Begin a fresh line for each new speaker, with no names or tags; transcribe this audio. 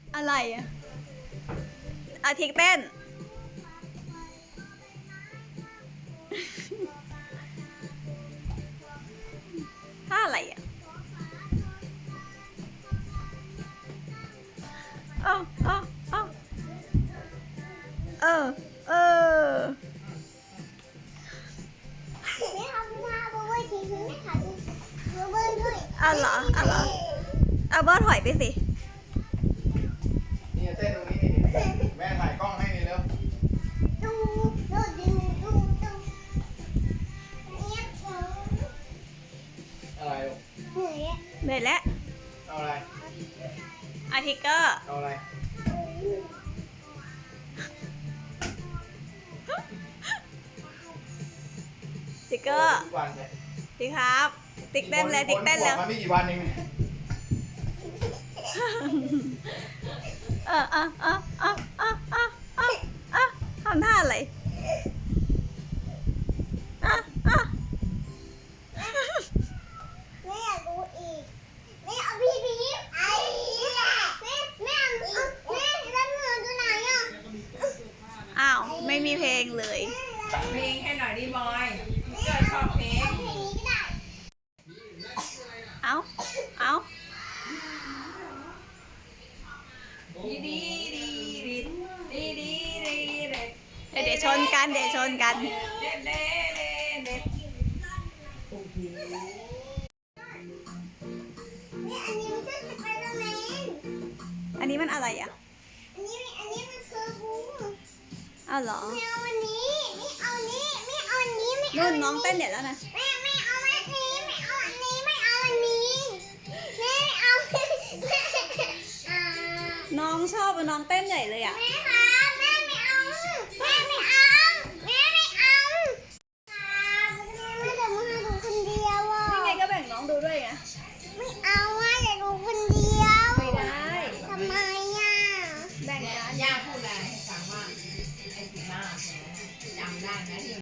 อะไรอะอาทิตย์เต้นท่าอะไรอ่ะเออเออเออเออเออ
ไม่ทำหน้าเพราะว่าทีนี้ไม่ถ่ายรูปเบิ้ลด้วย
เอาเหรอเอาเหรอเอาบอสถอยไปสิ
นี่เต้นตรงนี้นี่แม่ถ่ายกล้องให้นี่เร็ว
ดูดูดูเนี่ย
อะไรลูก
เหนื่อยอ่ะ
เหนื่อยแล้ว
เอาอะไร
อาทิตย์ก็
เอาอะไร
ติ๊กเกอร์
ทุกวันเลย
ติ๊กครับ ติ๊กเต้นเลยติ๊กเต้นแล้ว
มันไม่กี่วันเอง
ทำท่าอะไรอ่ะอ่ะ
ไม่อยากดูอีกไม่เอาพี่ไอ้ไม่เอาแม่แล้วเหนือตัวไหนอ่ะ
อ้าวไม่มีเพลงเลย
เพลงให้หน่อยดิบอยเกิดชอบเพลง
เพลงนี้ก็ได้
เอาเอา
ดีดีดีดีดีดีดีเด็ด
เดี๋ยวชนกันเดี๋ยวชนกัน
เด็ดเด็ดเด็ด
นี่อันนี้มันคือสไปเดอร์แมน
อันนี้มันอะไรอ่ะ
อันนี้มันคือบู
อ้าวเหรอ
ไม่เอาอันนี้ไม่เอาอันนี้ไม่เอาอันนี้ไม่เอา
นุ่
อั
น
นนี้
น้องเต้นเดี๋ยวแล้วนะ
ไม่เอาอันนี้ไม่เอาอันนี้ไม่เอาอันนี้ไม่เอา
น้องชอบน้องเต้นใหญ่เลยอ่ะ
แม่ครับแม่ไม่เอาแม่ไม่เอาแม่ไม่เอาครับแม่จะมาดูคนเดียวอ่ะ
ยังไงก็แบ่งน้องดูด้วยไง
ไม่เอาอ่ะจะดูคนเดียว
ไม่ได้
ทำไมอ่ะ
แบ่งกัน
ย่าพูดอะไรให้ฟังว่าไอ้สีหน้าจำได้ไหม